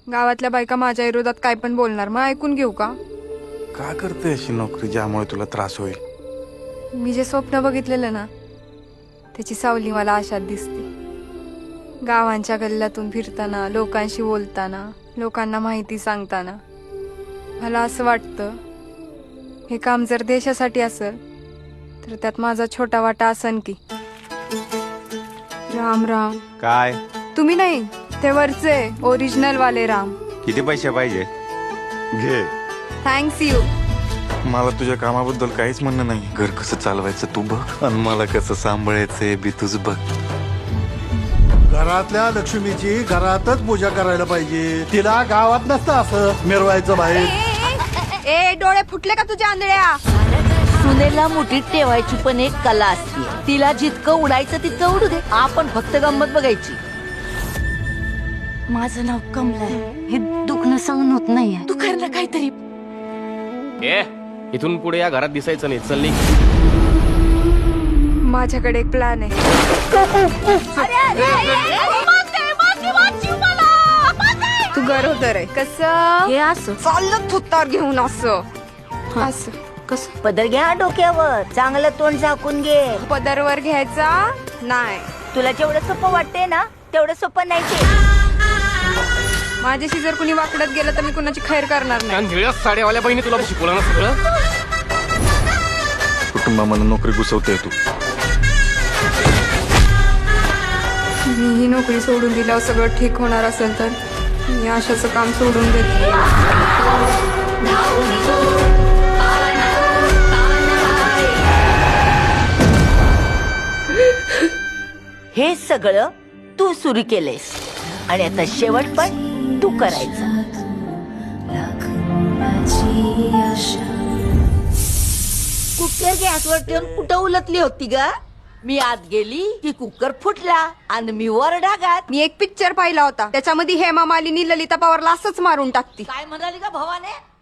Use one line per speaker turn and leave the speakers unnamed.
गावातल्या बायका माझ्या विरोधात काय पण बोलणार, मग ऐकून घेऊ का?
का करते अशी नोकरी ज्यामुळे तुला त्रास होईल?
मी जे स्वप्न बघितलेलं ना त्याची सावली मला आशात दिसते. गावांच्या गल्ल्यातून फिरताना, लोकांशी बोलताना, लोकांना माहिती सांगताना मला असं वाटतं हे काम जर देशासाठी असेल तर त्यात माझा छोटा वाटा असन की. राम राम.
काय?
तुम्ही नाही, ते वरचे ओरिजिनल वाले राम.
किती पैसे पाहिजे?
घे.
Thanks you.
मला तुझ्या कामाबद्दल काहीच म्हणणं नाही. घर कसं चालवायचं तू बघ आणि मला कसं सांभाळायचंय बी तुझ बघ.
घरातल्या लक्ष्मीची घरातच पूजा करायला पाहिजे. तिला गावात नसतं असं मिरवायचं बाहेर.
ए डोळे फुटले का तुझ्या आंधळ्या?
सुनेला मुठीत ठेवायची पण एक कला असते. तिला जितकं उडायचं तितकं उडू दे, आपण फक्त गंमत बघायची. माझं नाव कमला आहे. हे दुखणं सहन होत नाहीये. तू कर ना काहीतरी.
ए इथून पुढे या घरात दिसायचं नाही. चल निघ.
माझ्याकडे एक प्लॅन आहे. तू गरोदर आहे. कसं?
हे असं
चाललं थुत्तावर घेऊन असं असं.
कसं? पदर घ्या डोक्यावर, चांगलं तोंड झाकून घे.
पदरवर घ्यायचा नाही.
तुला जेवढं सोपं वाटते ना तेवढं सोपं नाही ते.
माझ्याशी जर कुणी वाकडत गेलं तर मी कुणाची खैर करणार नाही.
कारण निळ्या साड्यावाल्या बहिणी तुला शिकवलं ना सगळं.
कुटुंबामध्ये नोकरी घुसवते तू.
मी ही नोकरी सोडून दिल्यावर सगळं ठीक होणार असेल तर मी आशाचं काम सोडून देते.
हे सगळं तू सुरू केलेस आणि आता शेवट पण तू करायचं. कुकर गॅसवर ठेवून कुठं उलटली होती ग? मी आत गेली की कुकर फुटला आणि मी वर डागात.
मी एक पिक्चर पाहिला होता, त्याच्यामध्ये हेमा मालिनी ललिता पवारला असंच मारून टाकती.
काय म्हणाली का भावाने?